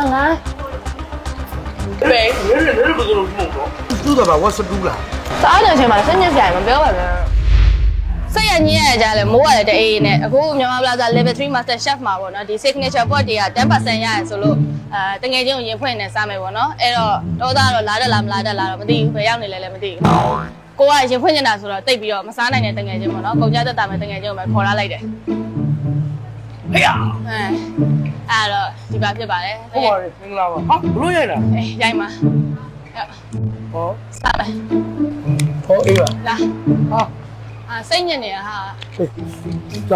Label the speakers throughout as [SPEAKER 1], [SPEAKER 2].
[SPEAKER 1] ငါ
[SPEAKER 2] ဘယ်ဘယ်လိုမှုတော့သူ့တော့ဝတ်စတူးလား
[SPEAKER 1] စားတဲ့အချိန်မှာစိတ်ညစ်စရာမပြောပါနဲ့စိတ်ရညစ်ရကြလဲမိုးရတယ်တအေးနဲ့အခုမြန်မာပလာဇာ level 3 master chef မှာပေါ့နော်ဒီ signature pot တွေက 10% ရရဆိုလို့တငယ်ချင်းကိုရင်ဖွင့်နေစားမယ်ပေါ့နော်အဲ့တော့တော့သားတော့လာတက်လားမလာတက်လားတော့မသိဘူးဘယ်ရောက်နေလဲလည်းမသိဘူးကိုကရင်ဖွင့်နေတာဆိုတော့တိတ်ပြီးတော့မစားနိုင်တဲ့တငယ်ချင်းပေါ့နော်ကုန်ကြသက်တာမဲ့တငယ်ချင်းကိုပဲခေါ်လာလိုက်တယ်
[SPEAKER 2] ဟေးအဲ့
[SPEAKER 1] တော့ဒီပါဖြစ်ပါတယ်
[SPEAKER 2] ဟုတ်ပါတယ်မင်္ဂလာပါဟာဘလို့ရိုက်တာ
[SPEAKER 1] အေးရိုက်ပါ
[SPEAKER 2] ဟော
[SPEAKER 1] စားမယ်
[SPEAKER 2] ဟောအေးပါ
[SPEAKER 1] လာ
[SPEAKER 2] ဟာ
[SPEAKER 1] စိတ်ညစ်နေရဟာ
[SPEAKER 2] လာ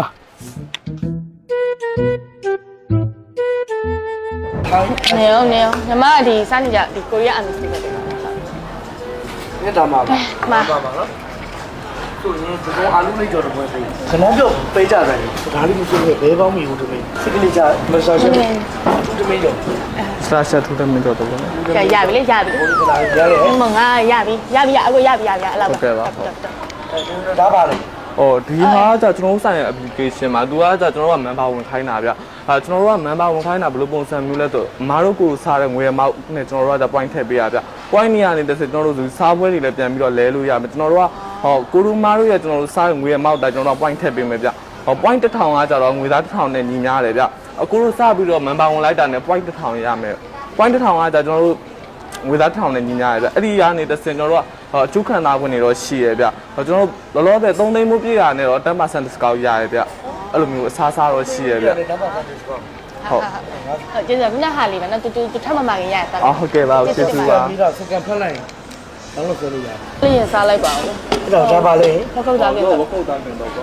[SPEAKER 1] နေအောင်ညီမကဒီစားနေကြဒီကိုရီးယားအမီစတစ်ပဲ
[SPEAKER 2] နေဒါမှာပါနော်သူရင်ဒီကောင်အာလူလေးကြော်တော့ပွဲပေးကျွန်တော်ပြောပေးကြတယ်ဒါလေးမရှိဘူးဘဲပေါင်းမိဘူးတမင်းစိကလေးချမဆာရှယ်သူတမင်းကြော်
[SPEAKER 3] ဆာရှယ်သူတမင်းကြော်တော့
[SPEAKER 1] ကြာရပြီလေရပြီမငါရပြီအခုရပြီအဲ့လောက်
[SPEAKER 3] ပါ
[SPEAKER 2] ဒါပါလေ
[SPEAKER 3] ဒီဟာကကျွန်တော်တို့ဆိုင်ရဲ့ application မှာသူကကျွန်တော်တို့က member ဝင်ခိုင်းတာဗျကျွန်တော်တို့က member ဝင်ခိုင်းတာဘယ်လိုပုံစံမျိုးလဲဆိုအမားတို့ကိုစားတဲ့ငွေရမောက်နဲ့ကျွန်တော်တို့က point ထည့်ပေးရဗျ point နေရာနေတစ်စကျွန်တော်တို့စားပွဲတွေလည်းပြန်ပြီးတော့လဲလို့ရမယ်ကျွန်တော်တို့ကကိုရူမားတို့ရဲ့ကျွန်တော်တို့စားငွေရမောက်တာကျွန်တော်တို့ point ထည့်ပေးမယ်ဗျpoint 1000ကကြတော့ငွေသား1000နဲ့ညီများတယ်ဗျအခုတို့စားပြီးတော့ member ဝင်လိုက်တာနဲ့ point 1000ရမယ် point 1000ကကြကျွန်တော်တို့ငွေသား1000နဲ့ညီညာရဗျအဲ့ဒီကနေတစ်စင်ကျွန်တော်တို့ကအကျုခံသားခွင့်တွေတော့ရှိရဗျကျွန်တော်တို့လောလောဆယ်3သိန်းမိုးပြည့်တာနဲ့တော့ 10% discount ရရဗျအဲ့လိုမျိုးအစားစားတော့ရှိရဗျ
[SPEAKER 2] 10% discount
[SPEAKER 1] ဟုတ်ကျေးဇူးမြတ်ဟာလေးပဲနော်တူထပ်မမှခင်ရတာ
[SPEAKER 3] ဟုတ်ကဲ့ပါကျေးဇူးပါ
[SPEAKER 2] ပြီးတော့စကန်ဖက်လိုက်တော့လို့ပြောလို့ရတယ်
[SPEAKER 1] လင်းစားလိုက်ပါဦး
[SPEAKER 2] အဲ့တော့ဒါပါလေ
[SPEAKER 1] မကုတ်သားပြင်
[SPEAKER 3] တော့မကုတ်သားပြင်တော့ကွာ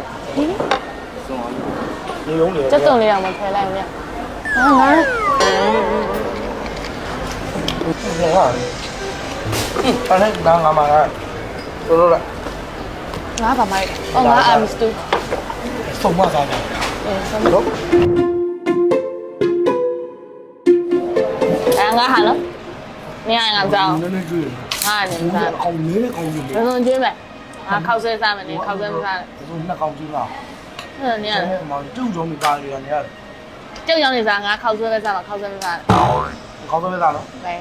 [SPEAKER 2] နေုံနေ
[SPEAKER 1] စက်စုံလေးအောင်မဖယ်လိုက်ဘူးမြတ်ဟာငါ
[SPEAKER 2] အဲ့ဒါငါမှာဆိုလို့လား
[SPEAKER 1] ငါပါမိုက်ငါအမစတူ
[SPEAKER 2] ဆုံးမစားတယ်
[SPEAKER 1] ဆုံးတော့ငါဟာနော်မင်းငါကြောင်း
[SPEAKER 2] နည်းနည်းကျွေး
[SPEAKER 1] ငါနေစား
[SPEAKER 2] အောင်နည်းနည်းကောင်းကြည့်
[SPEAKER 1] လေဘယ်လိုကျွေးမလဲငါခောက်ဆွဲစားမယ်နေခောက်ဆွဲမစားနဲ့
[SPEAKER 2] ဘယ်လိုနှစ်ကောင်းကြည့်လား
[SPEAKER 1] အဲ့နေရတယ်
[SPEAKER 2] မောင်ကျုပ်ကြောင့်မိသားစုကနေရတယ်
[SPEAKER 1] ကျုပ်ကြောင့်နေစားငါခောက်ဆွဲပဲစားမှာခောက်ဆွဲမစားနဲ့
[SPEAKER 2] ခောက်ဆွဲပဲစားနော်
[SPEAKER 1] ဘယ်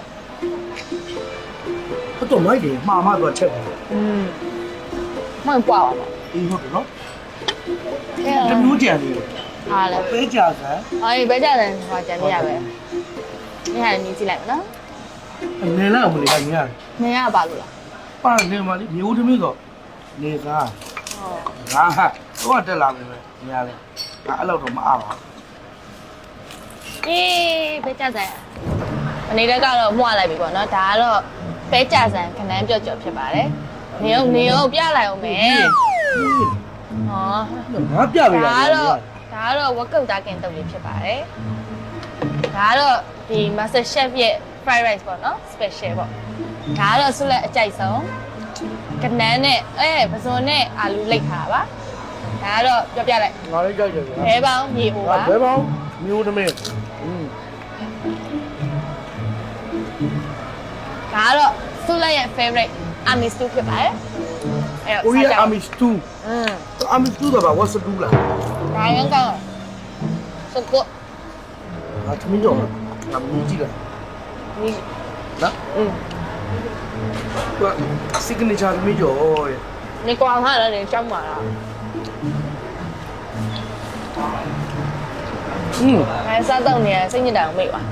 [SPEAKER 2] တော့မိုက်တယ်မှားမှတော့ချက်တယ်
[SPEAKER 1] မိုက်ပွားပါ
[SPEAKER 2] အေးဟုတ်တယ်နော်တမျိုးကြံနေတယ်
[SPEAKER 1] ဟာလေ
[SPEAKER 2] ပဲကြစမ်း
[SPEAKER 1] အေးပဲကြတယ်ဟောကြံနေရပဲနေဟာနေကြည့်လိုက်မနော်
[SPEAKER 2] နေလိုက်အောင်လေကနေရတယ်
[SPEAKER 1] နေရပါလို့လား
[SPEAKER 2] ပါနေမှာလေမျိုးသမီးကနေစားဟုတ်ငါတော့တက်လာမယ်ပဲနေရလဲငါအဲ့လောက်တော့မအားပါ
[SPEAKER 1] အေးပဲကြတယ်အနေနဲ့ကတော့မှုရလိုက်ပြီပေါ့နော်ဒါကတော့ပဲကြဆန်ခဏန်းပြော့ကြော်ဖြစ်ပါတယ်နေအောင်ပြလိုက်အောင်မယ်ဟော
[SPEAKER 2] ငါပြပေးတာ
[SPEAKER 1] ဒါကတော့ဝက်ကုတ်သားကင်တုပ်လေးဖြစ်ပါတယ်ဒါကတော့ဒီ master chef ရဲ့ fried rice ပေါ့နော် special ပေါ့ဒါကတော့ဆုလက်အကြိုက်ဆုံးကနန်းနဲ့ပစုံနဲ့အာလူလိတ်ထားပါဒါကတော့ပြောပြလိုက်
[SPEAKER 2] ငါလေးကြိုက်တယ်
[SPEAKER 1] ဘဲပေါင်းမြေအိုပါ
[SPEAKER 2] ဘဲပေါင်းမျိုးသမီး
[SPEAKER 1] ဒါကတော့ဆုလက်ရဲ့ favorite army stew ဖြစ်ပါတယ်
[SPEAKER 2] ကိုရီးယား army stew army stew တော့ဘာ what stew လား
[SPEAKER 1] ဒါရင်ကောင်းစကုတ်
[SPEAKER 2] ငါသမီးတော့ငါမြည်ကြည့်လိုက်နော်က signature သမီးကျော်ရဲ့
[SPEAKER 1] နေကွာဟာလည်းကြောက်ပါလားအဲစားတော့နေစိတ်ညစ်တာကိုမိပါ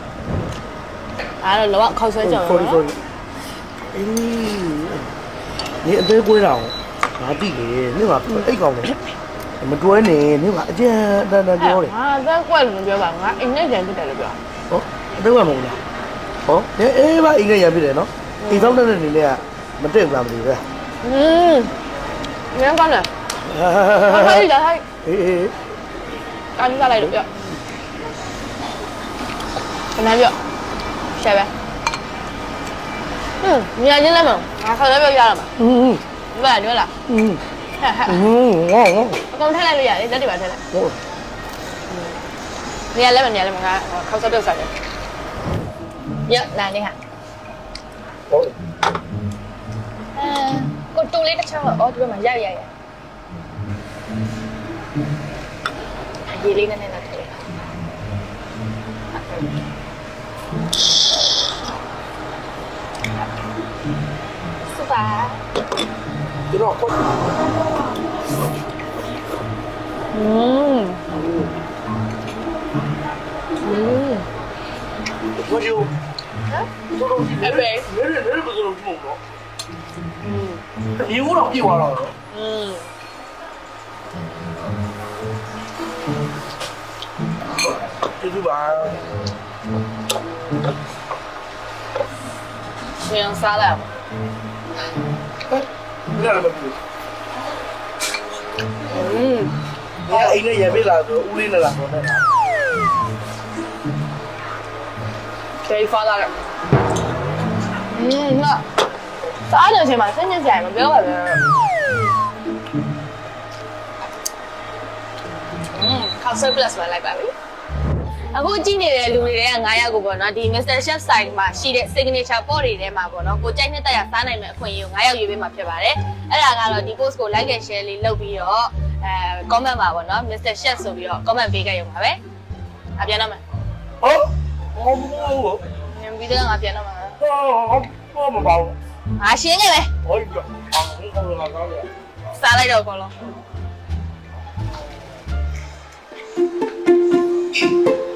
[SPEAKER 1] အဲ့တော့လောကခောက်ဆွဲကြော်နော်
[SPEAKER 2] အေးနေအသေးကွေးတာငါတိလေနေကအိတ်ကောင်းတယ်မတွဲနေနေကအကျဉ်းတန်ပြောတယ်
[SPEAKER 1] ဟာသက်ကွက်လို့ပြောပါငါအိမ်နဲ့ကြံဖြစ်တယ်လို့ပြော
[SPEAKER 2] ဟောအသေးကမဟုတ်လားဟောအေးပါအိမ်နဲ့ရဖြစ်တယ်နော်အိမ်ဆောင်တဲ့နေလေးကမတည့်ဘူးလားမသိဘူးပဲ
[SPEAKER 1] ငင်းကောင်းတယ်ဟဲ့ဒါဟဲ့
[SPEAKER 2] အေး
[SPEAKER 1] ကန်စားလိုက်လို့ပြောခဏပြောရှယ်ပဲမြာချင်းလည်းမငါခေါ်လည်းပြောရတော့မှာဒီပါညွှန်းလားအကုန်ထည့်လိုက်လို့ရတယ်လက်တွေပါထည့်လိုက်ဟုတ်နေရာလည်းမနေရာလည်းမငါခေါက်စားပြုတ်စားတယ်ရလာနေဟာဟုတ်ကိုတူလေးတစ်ချောင်းတော့ဒီဘက်မှာရရေလေးနဲ့ထည့်
[SPEAKER 2] ကျွန်တော်ခွတ် 我就，这种哎呗，没人不是这种咯。你我老比我了。这就吧。
[SPEAKER 1] 不用撒了。
[SPEAKER 2] 你那个不？你看，那也别拉说，屋里那拉说那。
[SPEAKER 1] 可以发到了。那စားတဲ့အချိန်မှာစဉ်းကျင်စရာမပြောပါနဲ့Council Plus ပဲလိုက်ပါပြီအခုကြည့်နေတဲ့လူတွေက9ယောက်ကိုပေါ့နော်ဒီ Mr. Chef Site မှာရှိတဲ့ signature pot တွေထဲမှာပေါ့နော်ကိုကြိုက်နှစ်တက်ရစားနိုင်မယ့်အခွင့်အရေးကို9ယောက်ရွေးပေးမှာဖြစ်ပါတယ်အဲ့ဒါကတော့ဒီ post ကို like and share လေးလုပ်ပြီးတော့comment ပါပေါ့နော် Mr. Chef ဆိုပြီးတော့ comment ပေးခဲ့ရုံပါပဲအပြန်တော့မယ်
[SPEAKER 2] ဟုတ်
[SPEAKER 1] ပြီးတော့ငါပြန်တော့မှာ
[SPEAKER 2] ဟုတ်မပါဘူး
[SPEAKER 1] ငါရှင်းခဲ့ပဲ
[SPEAKER 2] ဟုတ်ပြီဟုတ်လားကောင်းတယ်
[SPEAKER 1] စားလိုက်တော့ကောလုံး